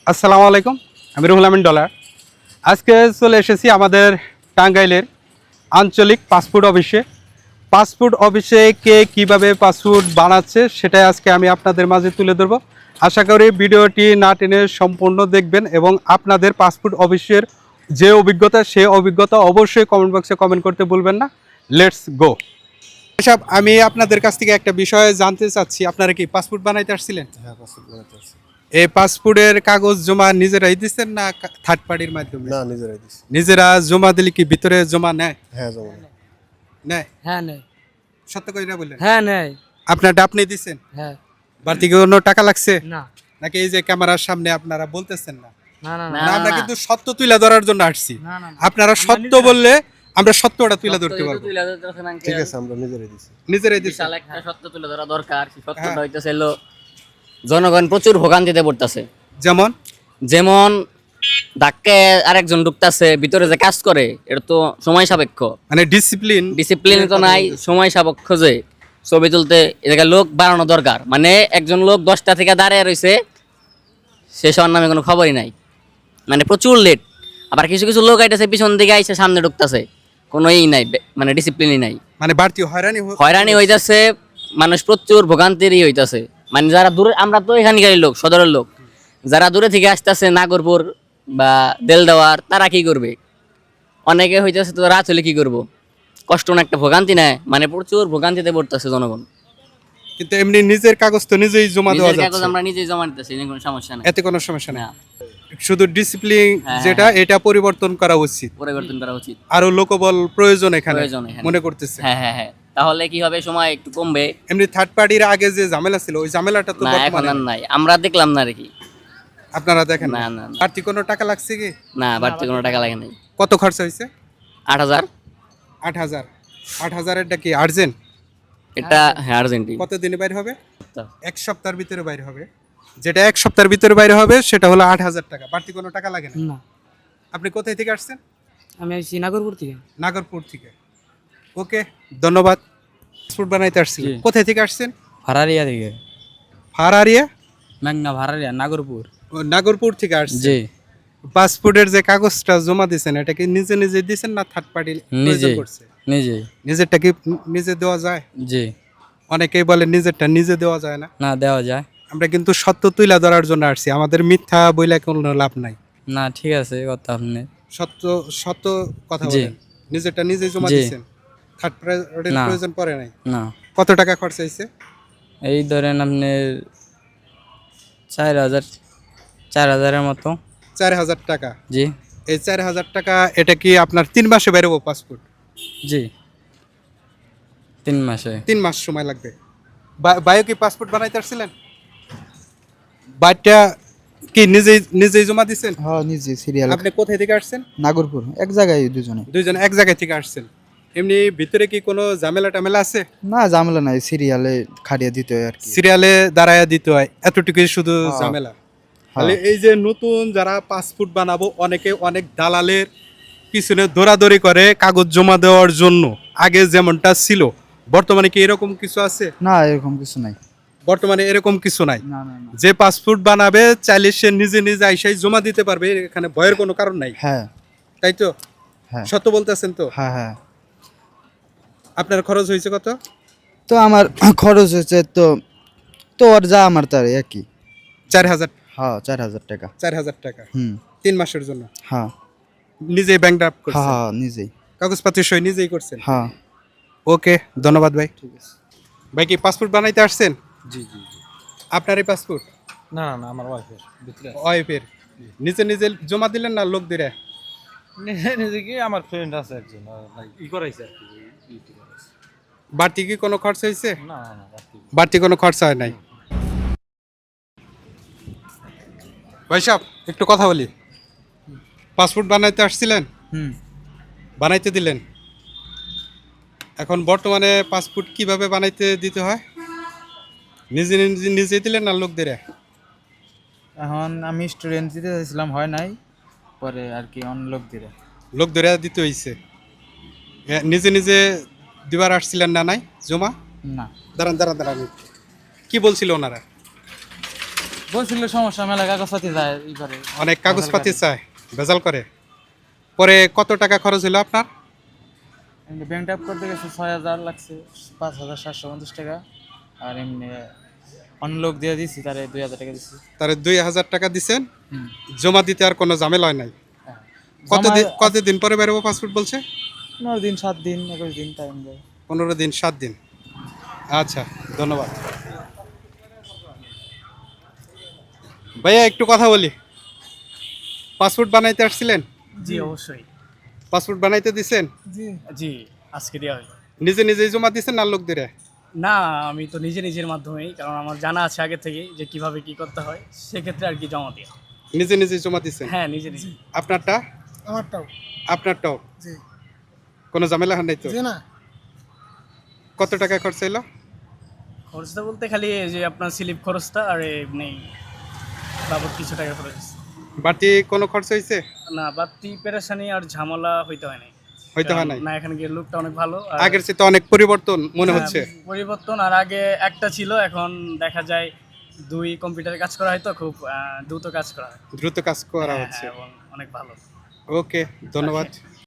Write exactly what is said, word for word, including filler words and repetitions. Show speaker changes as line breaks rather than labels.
আসসালামু আলাইকুম, আমি রুহুল আমিন ডলার। আজকে চলে এসেছি আমাদের টাঙ্গাইলের আঞ্চলিক পাসপোর্ট অফিসে। পাসপোর্ট অফিসে কে কীভাবে পাসপোর্ট বানাচ্ছে সেটাই আজকে আমি আপনাদের মাঝে তুলে ধরবো। আশা করি ভিডিওটি না টেনে সম্পূর্ণ দেখবেন এবং আপনাদের পাসপোর্ট অফিসের যে অভিজ্ঞতা সে অভিজ্ঞতা অবশ্যই কমেন্ট বক্সে কমেন্ট করতে ভুলবেন না। Let's go. এসব আমি আপনাদের কাছ থেকে একটা বিষয় জানতে চাচ্ছি, আপনারা কি পাসপোর্ট বানাইতে আসছিলেন?
হ্যাঁ, পাসপোর্ট বানাতে আসছি।
এই পাসপোর্টের কাগজ জমা নিজেরাই দিচ্ছেন না থার্ড পার্টির মাধ্যমে?
না, নিজেরাই দিছি।
নিজেরা জমা দিলে কি ভিতরে জমা নেয়?
হ্যাঁ, জমা নেই।
নেয়?
হ্যাঁ নেই।
সত্য করে না বললেন?
হ্যাঁ নেই।
আপনারটা আপনি দিচ্ছেন?
হ্যাঁ।
বাড়তি কোনো টাকা লাগছে
না
নাকি এই যে ক্যামেরার সামনে আপনারা বলতেছেন না?
না না
না, আমরা কিন্তু সত্য তুলে ধরার জন্য আসছি।
না না
আপনারা সত্য বললে আমরা সত্যটা তুলে ধরতে পারবো।
ঠিক আছে, আমরা নিজেরাই দিছি।
নিজেরাই দিচ্ছেন?
বিশাল একটা সত্য তুলে ধরা দরকার। সেই সত্যটা
হ্যাঁ।
হইতেছে হলো জনগণ প্রচুর ভোগান্তিতে পড়তেছে।
যেমন
যেমন ধাক্কে আরেকজন ঢুকতেছে ভিতরে যে কাজ করে, এটা তো সময় সাপেক্ষ,
মানে ডিসিপ্লিন
ডিসিপ্লিন তো নাই, সময় সাপেক্ষ যে ছবি তুলতে এদিকে লোক বাড়ানো দরকার। মানে একজন লোক দশটা থেকে দাঁড়িয়ে রয়েছে, সে সবার নামে কোনো খবরই নাই, মানে প্রচুর লেট। আবার কিছু কিছু লোক আইতেছে পিছন দিকে আইসে সামনে ঢুকতেছে, কোনো ই নাই, মানে ডিসিপ্লিনই নাই,
মানে বাড়তি হয়রানি হ-
হয়রানি হইতাছে, মানুষ প্রচুর ভোগান্তিরই হইতাছে। মানে যারা দূরে, আমরা তো এখানকারই লোক, সদরের লোক, যারা দূরে থেকে আসতেছে নাগরপুর বা দেলদাওয়ার, তারা কি করবে? অনেকে হইতেছে তো রাত হলে কি করব, কষ্ট না একটা ভোগান্তি নেয়, মানে প্রচুর ভোগান্তিতে পড়তেছে জনগণ।
কিন্তু এমনি নিজের কাগজ তো নিজেই জমা দেওয়া
নিজের কাগজ
যাচ্ছে,
আমরা নিজেই জমা দিতেছি, এনে কোনো সমস্যা নেই।
এতে কোনো সমস্যা নেই।
না,
শুধু ডিসিপ্লিন
হ্যাঁ,
যেটা এটা পরিবর্তন করা উচিত,
পরিবর্তন করা উচিত,
আরো লোকবল প্রয়োজন এখানে
প্রয়োজন এখানে।
মনে করতেছে।
হ্যাঁ হ্যাঁ হ্যাঁ, তাহলে কি হবে, সময় একটু কমবে।
এমনি থার্ড পার্টির আগে যে ঝামেলা ছিল ওই ঝামেলাটা তো
না, এখন
বর্তমানে
আর নাই, আমরা দেখলাম না আর কি।
আপনারা দেখেন
না
না?
না না।
বাড়তি কোনো টাকা লাগছে কি?
না, বাড়তি কোনো টাকা লাগে নাই।
কত খরচা হয়েছে?
আট হাজার।
আট হাজার। আট হাজারেরটা কি আর্জেন্ট?
এটা হ্যাঁ আর্জেন্টিন।
কত দিনে বাইরে হবে? এক সপ্তাহের ভিতরে বাইরে হবে। যেটা এক সপ্তাহের ভিতরে বাইরে হবে সেটা হলো আট হাজার টাকা। বাড়তি কোনো টাকা লাগে না।
না।
আপনি কোথায় থেকে আসছেন?
আমি আসছি নাগরপুর থেকে।
নাগরপুর থেকে। ওকে, ধন্যবাদ। পাসপোর্ট বানাইতে আসছি।
জি।
কোথায় থেকে আসছেন?
ভাড়ারিয়া থেকে।
ফারারিয়া?
মেঘনা ভাড়ারিয়া নাগরপুর।
ও, নাগরপুর থেকে আসছেন।
জি।
পাসপোর্টের যে কাগজটা জমা দিয়েছেন এটা কি নিজে নিজে দিয়েছেন না থার্ড পার্টি
নিজে।
করছে?
নিজে।
নিজেরটা কি নিজে দেওয়া যায়?
জি।
অনেকেই বলে নিজেরটা নিজে দেওয়া যায় না।
না দেওয়া যায়।
আমরা কিন্তু সত্য তুলে ধরার জন্য আসছি, আমাদের মিথ্যা বইলে কোনো লাভ নাই।
না ঠিক আছে, কথা আপনি।
সত্য সত্য কথা
জি।
বলেন। নিজেরটা নিজে জমা
জি।
দিয়েছেন, থার্ড পার্টির
না।
প্রয়োজন পড়ে নাই।
না,
কত টাকা খরচ হয়েছে?
এই ধরেন আপনি চার হাজার চার হাজারের মতো।
চার হাজার টাকা।
জি।
এই চার হাজার টাকা এটা কি আপনার তিন মাসে বেরোবো পাসপোর্ট?
জি, তিন মাসে।
তিন মাস সময় লাগবে। বায়ো কি পাসপোর্ট বানাইতে আসছিলেন? বাইকটা কি নিজেই নিজেই জমা দিচ্ছেন?
হ্যাঁ নিজে সিরিয়াল
আপনি কোথায় থেকে আসছেন?
নাগরপুর এক জায়গায় দুজনে।
দুইজন এক জায়গায় থেকে আসছেন। এমনি ভিতরে কি কোনো ঝামেলা টামেলা আছে?
না ঝামেলা নাই, সিরিয়ালে খাড়িয়ে দিতে হয় আর কি।
সিরিয়ালে দাঁড়ায় দিতে হয়, এতটুকুই শুধু
হ্যাঁ।
ঝামেলা।
হ্যাঁ।
তাহলে এই যে নতুন যারা পাসপোর্ট বানাবো অনেকে অনেক দালালের পিছনে দৌড়াদৌড়ি করে কাগজ জমা দেওয়ার জন্য, আগে যেমনটা ছিল। বর্তমানে কি এরকম কিছু আছে?
না এরকম কিছু নাই।
বর্তমানে এরকম কিছু নাই।
না না না।
যে পাসপোর্ট বানাবে চাইলে সে নিজে নিজে আইসাই জমা দিতে পারবে, এখানে ভয়ের কোনো কারণ নাই।
হ্যাঁ
তাই তো?
হ্যাঁ
সত্য বলতেছেন তো?
হ্যাঁ হ্যাঁ।
আপনার খরচ হয়েছে কত?
তো আমার খরচ হচ্ছে তো তো আর যা আমার তার একই।
চার হাজার।
হ্যাঁ চার হাজার টাকা।
চার হাজার টাকা
হুম।
তিন মাসের জন্য।
হ্যাঁ
নিজেই ব্যাংক ড্রাফট
হ্যাঁ
করছেন?
হ্যাঁ নিজেই।
কাগজপাতি সই নিজেই করছেন?
হ্যাঁ
ওকে, ধন্যবাদ ভাই।
ঠিক আছে।
ভাই কি পাসপোর্ট বানাইতে আসছেন?
জি জি জি।
আপনার এই পাসপোর্ট
না না না, আমার ওয়াইফের ভিতরে আছে।
ওয়াইফের নিজে নিজে জমা দিলেন না লোক দিলে?
নিজে নিজে কি আমার ফ্রেন্ড আছে একজন, আহ, like ই করাইছে আর কি, ওই ইটি করাইছে।
বাড়তি কি কোনো খরচ হয়েছে?
না না না, রাত্রি।
বাড়তি কোনো খরচা হয় নাই। ভাই সাহেব একটু কথা বলি। পাসপোর্ট বানাইতে আসছিলেন,
হুম।
বানাইতে দিলেন। এখন বর্তমানে পাসপোর্ট কিভাবে বানাইতে দিতে হয়? নিজে নিজে নিজে দিলেন না লোক দিলে?
এখন আমি স্টুডেন্ট দিতে চাইছিলাম, হয় নাই, পরে আর কি অন লোক দিলে।
লোক ধরে দিতে হইছে। এ, নিজে নিজে দিবার আসছিলেন না? নাই জমা?
না
দাঁড়ান দাঁড়ান দাঁড়ান, কি বলছিল ওনারা?
বলছিল সমস্যা মেলা কাগজপাতি যায় ই করে
অনেক কাগজপাতি চায়, ভেজাল করে। পরে কত টাকা খরচ হলো আপনার?
এমনি ব্যাংক ট্যাপ করতে গেছে ছয় হাজার লাগছে, পাঁচ হাজার সাতশো পঞ্চাশ টাকা। আর এমনি অন্য লোক দিয়ে দিছি, তারে দুই হাজার টাকা দিছি।
তারে দুই হাজার টাকা দিছেন,
হুম।
জমা দিতে আর কোনো ঝামেলা হয় নাই।
হ্যাঁ।
কতদিন
জমা-
কতদিন পরে বেরোবো পাসপোর্ট বলছে?
পনেরো দিন সাত দিন একুশ দিন টাইম দেয়।
পনেরো দিন সাত দিন। আচ্ছা, ধন্যবাদ ভাইয়া। একটু কথা বলি, পাসপোর্ট বানাইতে আসছিলেন?
জি অবশ্যই।
পাসপোর্ট বানাইতে দিছেন?
জি আজকে দেওয়া হলো।
নিজে নিজেই জমা দিছেন না লোক দিয়ে?
না আমি তো নিজে নিজের মাধ্যমেই, কারণ আমার জানা আছে আগে থেকে যে কিভাবে কি করতে হয়, সেক্ষেত্রে আর কি জমা দেওয়া।
নিজে নিজেই জমা দিছেন?
হ্যাঁ নিজে নিজে।
আপনারটা?
আমারটাও
আপনারটাও?
জি
কোনো ঝামেলা হয় নাই তো?
জি না।
কত টাকা খরচ হইলো?
খরচটা বলতে খালি এই যে আপনার স্লিপ খরচটা আর এমনি বাবদ কিছু টাকা খরচ হয়েছে।
বাড়তি কোনো খরচ হয়েছে?
না বাড়তি পেরেশানি আর ঝামেলা হইতে হয় নাই।
হইতে হয় নাই?
না এখানে গিয়ে লোকটা অনেক ভালো। আর
আগের চেয়ে তো অনেক পরিবর্তন মনে হচ্ছে।
হ্যাঁ, পরিবর্তন। আর আগে একটা ছিল, এখন দেখা যায় দুই কম্পিউটারে কাজ করা হয় তো খুব আহ, দ্রুত কাজ করা হয়।
দ্রুত কাজ করা
হ্যাঁ,
হচ্ছে।
হ্যাঁ, এবং অনেক ভালো।
ওকে, ধন্যবাদ।